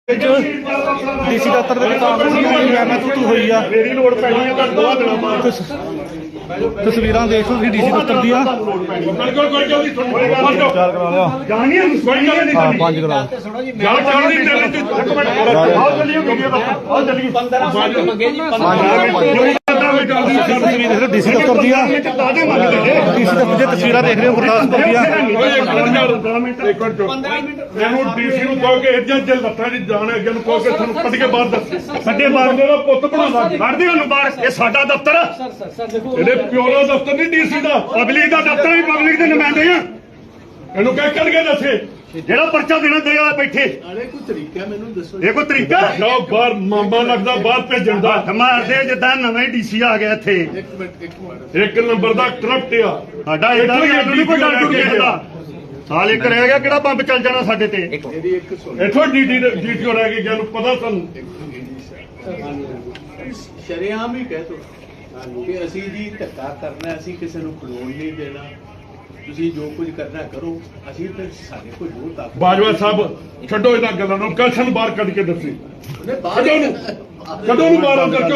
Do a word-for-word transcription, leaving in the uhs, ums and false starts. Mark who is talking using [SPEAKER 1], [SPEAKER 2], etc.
[SPEAKER 1] DC ਦਫ਼ਤਰ ਦੇ ਵਿੱਚ ਕਾਂਗਰਸ ਦੀ ਮੈਂ ਤੂੰ ਤੂੰ ਹੋਈ ਆ
[SPEAKER 2] ਮੇਰੀ ਲੋੜ ਪੈਣੀ ਹੈ ਤਾਂ ਦੋ ਦਿਨਾਂ ਬਾਅਦ
[SPEAKER 1] ਤਸਵੀਰਾਂ ਦੇਖ ਲਓ ਤੁਸੀਂ ਡੀਸੀ ਦਫ਼ਤਰ ਦੀਆਂ
[SPEAKER 2] ਬਿਲਕੁਲ ਕੋਈ ਜਲਦੀ
[SPEAKER 1] ਚਾਰ ਕਰਾ ਲਿਆ
[SPEAKER 2] ਜਾਣੀ ਹੈ ਕੋਈ ਗੱਲ ਨਹੀਂ
[SPEAKER 1] ਹਾਂ ਪੰਜ ਕਰਾ
[SPEAKER 2] ਗੱਲ ਚੱਲਦੀ ਚੱਲਦੀ ਇੱਕ ਮਿੰਟ ਆਓ ਚੱਲੀਏ ਵੀਡੀਓ ਦਾ ਆਓ ਚੱਲੀਏ ਪੰਦਰਾਂ ਮਿੰਟ ਮੰਗੇ ਜੀ ਤਸਵੀਰ ਦੇਖ ਲਓ ਡੀਸੀ ਦਫ਼ਤਰ ਦੀਆਂ ਡੀਸੀ ਦਫ਼ਤਰ ਦੀਆਂ ਤਸਵੀਰਾਂ ਦੇਖ ਰਹੇ ਹੋ ਗੁਰਦਾਸਪੁਰ ਦੀਆਂ ਇਹਨੂੰ ਡੀਸੀ ਨੂੰ ਕਹੋ ਕਿ ਇੱਦਾਂ ਜੇ ਲੱਤਾਂ ਦੀ ਜਾਣ ਅੱਗੇ ਨੂੰ ਕਹੋ ਕਿ ਤੁਹਾਨੂੰ ਕੱਢ ਕੇ ਬਾਹਰ ਦੱਸ ਸਾਡੇ ਬਾਹਰ ਦਾ ਪੁੱਤ ਬਣਾਉਂਦਾ ਕੱਢਦੇ ਉਹਨੂੰ ਬਾਹਰ ਇਹ ਸਾਡਾ ਦਫ਼ਤਰ ਇਹਦੇ ਪਿਓ ਦਾ ਦਫ਼ਤਰ ਨਹੀਂ ਡੀਸੀ ਦਾ ਪਬਲਿਕ ਦਾ ਦਫ਼ਤਰ ਵੀ ਪਬਲਿਕ ਦੇ ਨੁਮਾਇੰਦੇ ਆ ਇਹਨੂੰ ਕਹਿ ਕੱਢ ਕੇ ਦੱਸੇ ਜਿਹੜਾ ਪਰਚਾ ਦੇਣਾ ਦੇਗਾ ਬੈਠੇ
[SPEAKER 3] ਅਰੇ ਕੋਈ ਤਰੀਕਾ ਮੈਨੂੰ ਦੱਸੋ
[SPEAKER 2] ਇਹ ਕੋਈ ਤਰੀਕਾ ਜਾਓ ਬਾਹਰ ਮਾਮਾ ਲੱਗਦਾ ਬਾਹਰ ਭੇਜਣ ਦਾ ਮਾਰਦੇ ਜਿੱਦਾਂ ਨਵੇਂ ਡੀਸੀ ਆ ਗਿਆ ਇੱਥੇ
[SPEAKER 3] ਇੱਕ ਮਿੰਟ ਇੱਕ ਮਿੰਟ
[SPEAKER 2] ਇੱਕ ਨੰਬਰ ਦਾ ਕਰਪਟ ਆ
[SPEAKER 1] ਸਾਡਾ
[SPEAKER 2] ਇਹਦਾ ਵੀ ਸਾਨੂੰ ਨਹੀਂ ਕੋਈ ਡਰ ਡੁਰ ਕਿਸੇ ਦਾ
[SPEAKER 1] ਸਾਲ ਇੱਕ ਰਹਿ ਗਿਆ ਕਿਹੜਾ ਬੰਬ ਚੱਲ ਜਾਣਾ ਸਾਡੇ ਤੇ
[SPEAKER 3] ਮੇਰੀ ਇੱਕ ਸੁਣ
[SPEAKER 2] ਇੱਥੋਂ ਡੀਟੀ ਡੀਟੀਓ ਰਹਿ ਗਈ ਜਾਨੂੰ ਪਤਾ ਸਾਨੂੰ
[SPEAKER 3] ਸ਼ਰੇਆਮ ਹੀ ਕਹਿ ਤੋ ਕਿ ਅਸੀਂ ਜੀ ਧੱਕਾ ਕਰਨਾ ਅਸੀਂ ਕਿਸੇ ਨੂੰ ਖਲੋਣ ਨਹੀਂ ਦੇਣਾ ਤੁਸੀਂ ਜੋ ਕੁਝ ਕਰਨਾ ਕਰੋ ਅਸੀਂ ਤੇ ਸਾਡੇ ਕੋਲ ਜੋ ਤਾਕਤ
[SPEAKER 2] ਬਾਜਵਾ ਸਾਹਿਬ ਛੱਡੋ ਇਹਨਾਂ ਗੱਲਾਂ ਨੂੰ ਕਲਸ਼ਨ ਬਾਹਰ ਕੱਢ ਕੇ ਦੱਸੀ
[SPEAKER 3] ਉਹਨੇ ਬਾਹਰ
[SPEAKER 2] ਕਦੋਂ ਨੂੰ ਕਦੋਂ ਨੂੰ ਬਾਹਰ ਕਰਕੇ